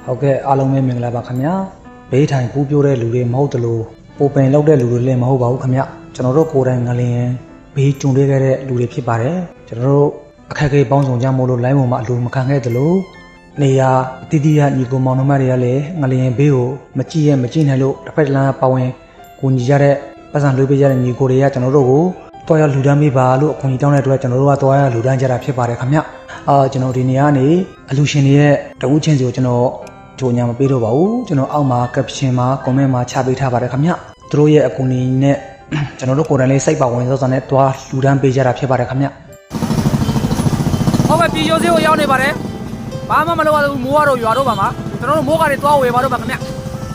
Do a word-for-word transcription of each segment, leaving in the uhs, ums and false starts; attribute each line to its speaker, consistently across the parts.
Speaker 1: ဟုတ်ကဲ့အားလုံးပဲမင်္ဂလာပါခင်ဗျာဘေးထိုင်ပူးပြိုးတဲ့လူတွေမဟုတ်တလို့ပိုပင်လောက်တဲ့လူတွေလည်းမဟုတ်ပါဘူးခင်ဗျကျွန်တော်တို့ကိုယ်တိုင်ငလျင်ဘေးကျုံတွေ့ခဲ့တဲ့လူတွေဖြစ်ပါတယ်ကျွန်တော်တို့အခက်အခဲပေါင်းစုံကြမို့လို့လိုင်းပေါ်မှာအလိုမခံခဲ့သလိုနေရာအတီးတီးရညီကိုမောင်နှမတွေကလည်းငလျင်ဘေးကိုမကြည့်ရမကြည့်နိုင်လို့တစ်ဖက်တစ်လမ်းပါဝင်ကိုညီကြတဲ့ပတ်စံလွှဲပေးကြတဲ့ညီကိုတွေကကျွန်တော်တို့ကိုတော်ရလူတန်းပေးပါလို့အခွင့်အရေးတောင်းတဲ့အတွက်ကျွန်တော်တို့ကတော်ရလူတန်းကြတာဖြစ်ပါတယ်ခင်ဗျအာကျွန်တော်ဒီနေရာကနေအလူရှင်တွေရဲ့တဝူးချင်းစီကိုကျွန်တော်ကြိုညာမပေးတော့ပါဘူးကျွန်တော်အောက်မှာ caption မှာ comment မှာချပေးထားပါတယ်ခင်ဗျသူတို့ရဲ့အကူအညီနဲ့ကျွန်တော်တို့ကိုယ်တိုင်လေးစိတ်ပါဝင်စောစောနဲ့တွားလူတန်းပေးကြတာဖြစ်ပါတယ်ခင်ဗျဟုတ်ကဲ့ပြည်ရိုးစေးကိုရောက်နေပါတယ်ဘာမှမလုပ်ရဘူးမိုးကတော့ရွာတော့ပါမှာကျွန်တော်တို့မိုးကတွေတွားဝယ်ပါတော့ပါခင်ဗျ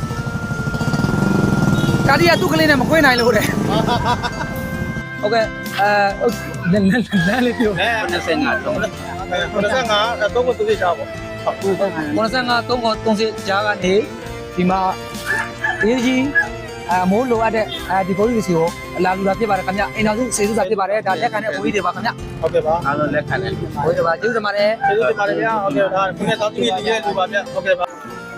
Speaker 1: ကာဒီကသူ့ကလေးနဲ့မခွေးနိုင်လို့တဲ့ဟုတ်ကဲ့အဲလမ်းလမ်းလေးပြော
Speaker 2: နှစ်ဆယ်ငါတော့
Speaker 3: နှစ်ဆယ်ငါတော့ကိုသူ့ချာပေါ့
Speaker 1: ကိုယ်ဆန်းကသုံးခေါ်သုံးစစ်ကြားကနေဒီမှာအေးကြီးအမိုးလိုအပ်တဲ့အဲဒီဘိုးကြီးစီကိုလာလူတာဖြစ်ပါတယ်ခင်ဗျအိမ်တော်စုစေစုစာဖြစ်ပါတယ်ဒါလက်ခံတဲ့ဘိုးကြီးတွေပါခင်ဗျ
Speaker 3: ဟုတ်ကဲ့ပါ
Speaker 2: အားလုံးလက်ခံတယ်
Speaker 1: ဘိုးကြီးပါကျေးဇူးတင်ပါတယ်
Speaker 3: ကျေးဇူးတင်ပါတယ်ဗျာဟုတ်ကဲ့ဒါဒီနေ့တောင်းတနေတည်ရလူပါဗျဟုတ်ကဲ့ပါ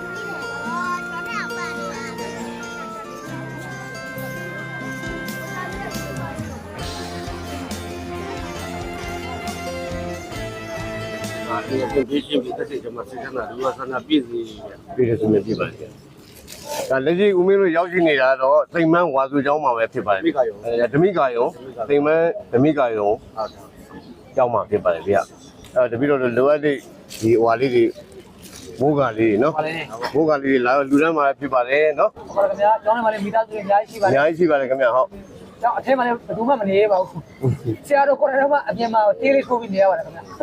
Speaker 2: ဒီအပြင်ပြည်ချင်းပြည်သက်တဲ့မှာစစ်တပ်ကလူဝဆန္ဒပြည့်စီပြည်ရစုမြပြပါလေ။ဒါလက်ရှိဦးမင်းတို့ရောက်ရှိနေတာတော့စိန်မန်းဝါစုကျောင်းမှာပဲဖြစ်ပါတယ်။အဲဓမိကာယုံစိန်မန်းဓမိကာယုံကျောင်းမှာဖြစ်ပါတယ်ဗျ။အဲတပိတော့လိုအပ်တဲ့ဒီဟွာလေးတွေမိုးကလေးနော်။မိုးကလေးတွေလာလူတန်းမှာဖြစ်ပါတယ်နော်
Speaker 1: ။ဟုတ်ကဲ့ခင်ဗျာကျောင်းထဲမှာလည်းမိသားစုတွေအများကြီးရှိပါတယ်
Speaker 2: ။အများကြီးရှိပါတယ်ခင်ဗျာဟုတ်
Speaker 1: ။ကျောင်းအထက်မှာလည်းဘယ်သူမှမနေရပါဘူး။ဆရာတို့ကိုယ်တိုင်တော့အပြင်မှာတေးလေးထိုးပြီးနေရပါတယ်ခင်ဗျာ။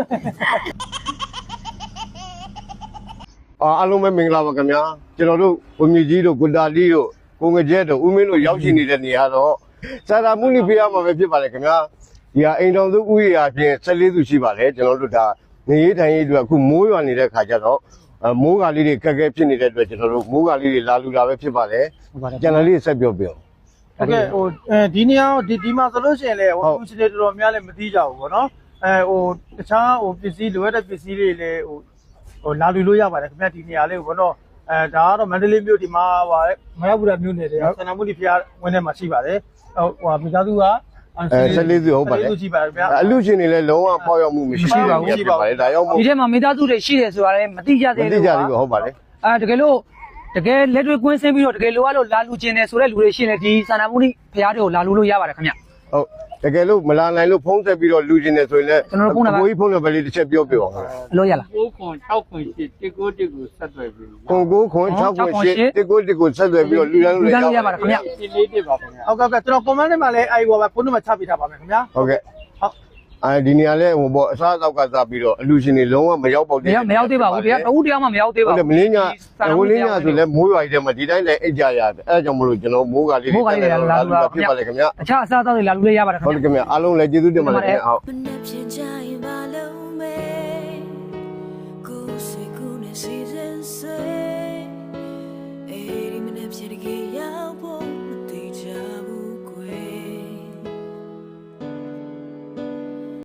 Speaker 2: အားလုံးပဲမင်္ဂလာပါခင်ဗျာကျွန်တော်တို့ကိုမြကြီးတို့ကိုတာလီတို့ကိုငကြဲတို့ဦးမင်းတို့ရောက်ရှိနေတဲ့နေရာတော့စာရာမှုနိဖေးရမှာပဲဖြစ်ပါတယ်ခင်ဗျာဒီဟာအိမ်တော်စုဥယျာအပြင်ဆယ်လေးစုရှိပါတယ်ကျွန်တော်တို့ဒါနေရေးထိုင်ရေးအတွက်အခုမိုးရွာနေတဲ့ခါကျတော့မိုးကလေးတွေခက်ခဲဖြစ်နေတဲ့အတွက်ကျွန်တော်တို့မိုးကလေးတွေလာလူတာပဲဖြစ်ပါတယ်ကျန်တဲ့လေးဆက်ပြောပြအောင်
Speaker 3: ဟုတ်ကဲ့ဟိုဒီနေရာဒီဒီမှာဆိုလို့ရှိရင်လေဟိုသူစနေတော်တော်များလည်းမသိကြဘူးပေါ့နော်အဲဟိုတခြားဟိုပစ္စည်းလိုအပ်တဲ့ပစ္စည်းတွေလည်းဟိုဟိုလာလူလို့ရပါတယ်ခင်ဗျဒီနေရာလေးကိုဘောတော့အဲဒါကတော့မန္တလေးမြို့ဒီမှာပါမရဘူးလားမြို့နယ်တွေဆန္ဒမှုဒီဖျားဝင်းထဲမှာရှိပါတယ်ဟိုဟိုမိသားစုက
Speaker 2: အဲဆက်လေးစုဟုတ်ပါတယ်အလူရှင်တွေလည်းလုံးဝပေါက်ရောက်မှုမရှိပါဘူးရှိပါတယ်ဒါရောက်
Speaker 1: ဒီထဲမှာမိသားစုတွေရှိတယ်ဆိုတာလည်းမသိကြသေးဘူး
Speaker 2: မသိကြဘူးဟုတ်ပါတယ်
Speaker 1: အဲတကယ်လို့တကယ်လက်တွေ့ကွင်းဆင်းပြီးတော့တကယ်လိုအပ်လို့လာလူကျင်တယ်ဆိုတဲ့လူတွေရှိနေဒီဆန္ဒမှုဒီဖျားတွေကိုလာလူလို့ရပါတယ်ခင်ဗျ
Speaker 2: ဟုတ်တကယ်လို့မလာနိုင်လို့ဖုံးဆက်ပြီးတော့လူကျင်နေဆိုရင်လည်း
Speaker 1: ကျွန်တော်ဖုန်းနံပါတ်
Speaker 2: ကိုကြီးဖုန်းနံပါတ်လေးတစ်ချက်ပြောပြပါဦး
Speaker 1: အလို့ရလား
Speaker 4: ကိုခွန်၆ခွန်၈တစ်ကိုတစ်ကိုဆက်သွယ်ပြီး
Speaker 2: ကိုကိုခွန်၆ခွန်၈တစ်ကိုတစ်ကိုဆက်သွယ်ပြီးတော့လူတန်းလို့
Speaker 1: ရရပါတယ်ခင်ဗျ
Speaker 4: ဒီလေးတစ်ပါခင်ဗျာ
Speaker 3: ဟုတ်ကဲ့ကဲကျွန်တော် comment ထဲမှာလည်းအဲဒီဟိုပဲဖုန်းနံပါတ်ချပေးထားပါမယ်ခင်ဗျာ
Speaker 2: ဟုတ်ကဲ့ဟုတ်အဲဒီနေရာလဲဟိုပေါ့အစားအသောက်ကစားပြီးတော့အလူရှင်တွေလုံးဝမရောက်ပေါက်
Speaker 1: သေးဘူးမရောက်သေးပါဘူးတရားတဦးတရားမှမရောက်သေးပါဘူး
Speaker 2: ဟုတ်တယ်မင်းညာဟိုလင်းညာဆိုလဲမိုးရွာကြီးထဲမှာဒီတိုင်းလည်းအိတ်ကြရတယ်အဲကြောင့်မလို့ကျွန်တော်မိုးကလေးတွေ
Speaker 1: မိုးကလေးတွေလာလူတာ
Speaker 2: ဖြစ်ပါလေခင်ဗျာ
Speaker 1: အခြားအစားအသောက်တွေလာလူလေးရပါတယ်ခင်
Speaker 2: ဗျာဟုတ်တယ်ခင်ဗျာအားလုံးလည်းကျေးဇူးတင်ပါတယ်ခင်ဗျာဟုတ်
Speaker 5: ကိုယ်စိတ်ကူးနဲ့စီစဉ်ဆွေ